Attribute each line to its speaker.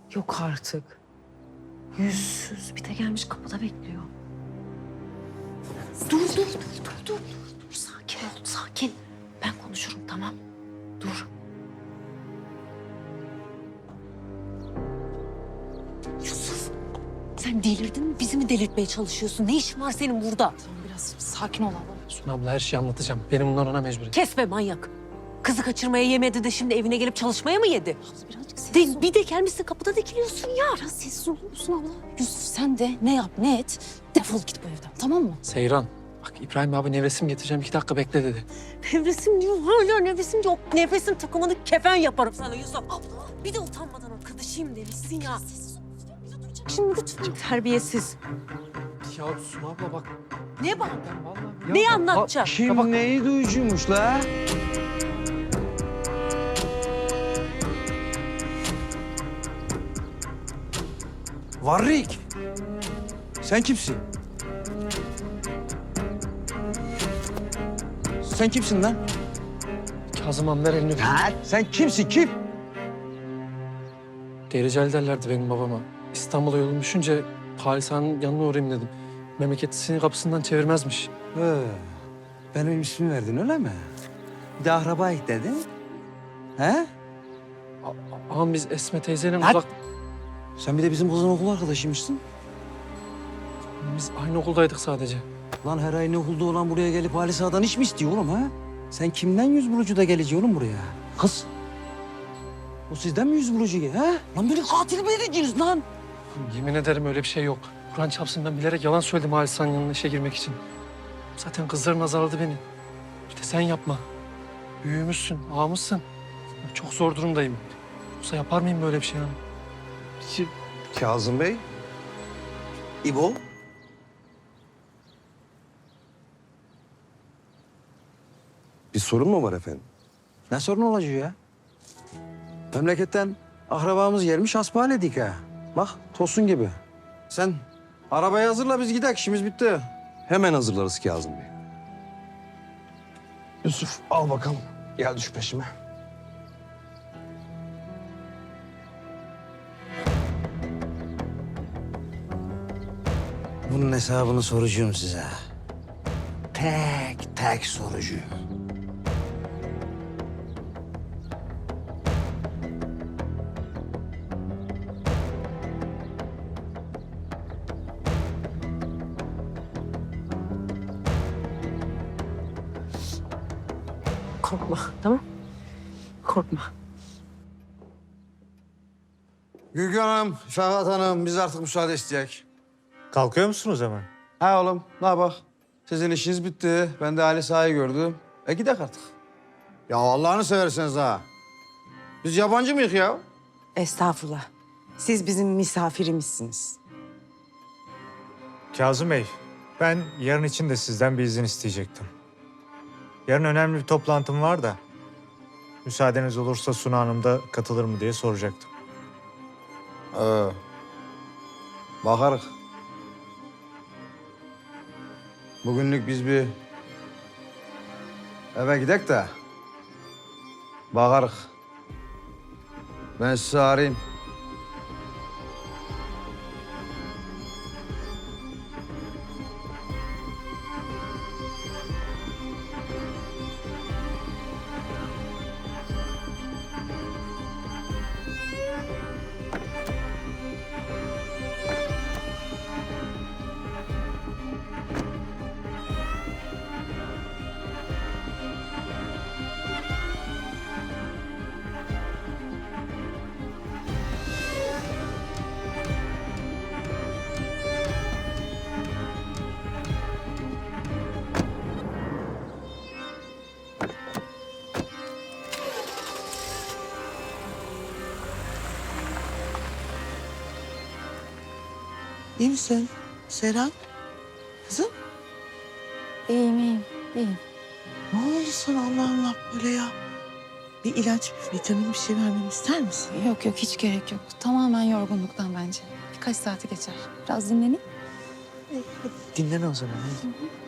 Speaker 1: Yok artık. Yüzsüz bir de gelmiş kapıda bekliyor. Dur. Sakin ol, sakin. Ben konuşurum, tamam. Dur. Yusuf, sen delirdin mi? Bizi mi delirtmeye çalışıyorsun? Ne işin var senin burada?
Speaker 2: Biraz sakin ol abla.
Speaker 3: Suna abla her şeyi anlatacağım. Benim bunlar ona mecburiyet.
Speaker 1: Kesme manyak. Kızı kaçırmaya yemedi de şimdi evine gelip çalışmaya mı yedi?
Speaker 2: Birazcık sessiz ol.
Speaker 1: Bir de gelmişsin kapıda dikiliyorsun ya.
Speaker 2: Biraz sessiz olur musun abla? Yusuf sen de ne yap ne et defol git bu evden, tamam mı?
Speaker 3: Seyran, bak İbrahim abi nevresim getireceğim. 2 dakika bekle dedi.
Speaker 1: Nefesim diyor, hala nefesim diyor. Nefesin takımını kefen yaparım sana Yusuf. Abla, bir de utanmadan arkadaşıyım demişsin ya.
Speaker 2: Sessiz ol. Bir de duyacak.
Speaker 1: Şimdi lütfen. Terbiyesiz.
Speaker 3: Ya Suna abla bak.
Speaker 1: Ne bak?
Speaker 3: Ben vallahi...
Speaker 1: Neyi anlatacak?
Speaker 4: Kim neyi duyucuymuş la? Varrik. Sen kimsin? Sen kimsin lan?
Speaker 3: Kazım Han ver elini.
Speaker 4: Sen kimsin kim?
Speaker 3: Dereceli derlerdi benim babama. İstanbul'a yolum düşünce Halis Han'ın yanına uğrayayım dedim. Memleketlisini kapısından çevirmezmiş.
Speaker 4: Benim ismimi verdin öyle mi? Bir de akrabayı dedin. He?
Speaker 3: Ağam biz Esme teyzeyle
Speaker 4: Lan!
Speaker 3: uzak...
Speaker 4: Sen bir de bizim kızın okul arkadaşıymışsın.
Speaker 3: Biz aynı okuldaydık sadece.
Speaker 4: Lan her ay ne okulda olan buraya gelip Halis Ağa'dan iş mi istiyor oğlum ha? Sen kimden yüz bulucu da gelecek oğlum buraya? Kız. O sizden mi yüz bulucu ha? Lan beni katil mi edeceksiniz lan?
Speaker 3: Yemin ederim öyle bir şey yok. Kur'an çarpsın ben bilerek yalan söyledim Halis Han'ın yanına işe girmek için. Zaten kızların azarladı beni. Bir de sen yapma. Büyüğümüzsün, ağamızsın. Çok zor durumdayım. Yoksa yapar mıyım böyle bir şey yani?
Speaker 5: Kazım Bey, İbo. Bir sorun mu var efendim?
Speaker 4: Ne sorun olacak ya? Memleketten akrabamız gelmiş hasbihaledik ha. Bak tosun gibi. Sen arabayı hazırla biz gidelim işimiz bitti.
Speaker 5: Hemen hazırlarız Kazım Bey. Yusuf al bakalım. Gel düş peşime.
Speaker 4: Bunun hesabını soracağım size. Tek tek soracağım.
Speaker 1: Korkma, tamam? Korkma.
Speaker 4: Gülgün Hanım, Ferhat Hanım biz artık müsaade isteyek.
Speaker 6: Kalkıyor musunuz hemen?
Speaker 4: Ha oğlum ne bak. Sizin işiniz bitti. Ben de Halis Ağa'yı gördüm. Gidelim artık. Ya Allah'ını severseniz ha. Biz yabancı mıyız ya?
Speaker 7: Estağfurullah. Siz bizim misafirimizsiniz.
Speaker 6: Kazım Bey, ben yarın için de sizden bir izin isteyecektim. Yarın önemli bir toplantım var da... ...müsaadeniz olursa Suna Hanım da katılır mı diye soracaktım.
Speaker 4: Bakarız. Bugünlük biz bir eve gidek de bakarız. Ben sizi arayayım.
Speaker 7: İyi misin Serap? Kızım
Speaker 2: İyiyim.
Speaker 7: ne oldu sana Allah Allah böyle ya? Bir ilaç, bir vitamin bir şey vermemi ister misin?
Speaker 2: Yok hiç gerek yok. Tamamen yorgunluktan bence. Birkaç saati geçer. Biraz dinleneyim.
Speaker 7: Dinlen o zaman. Hadi.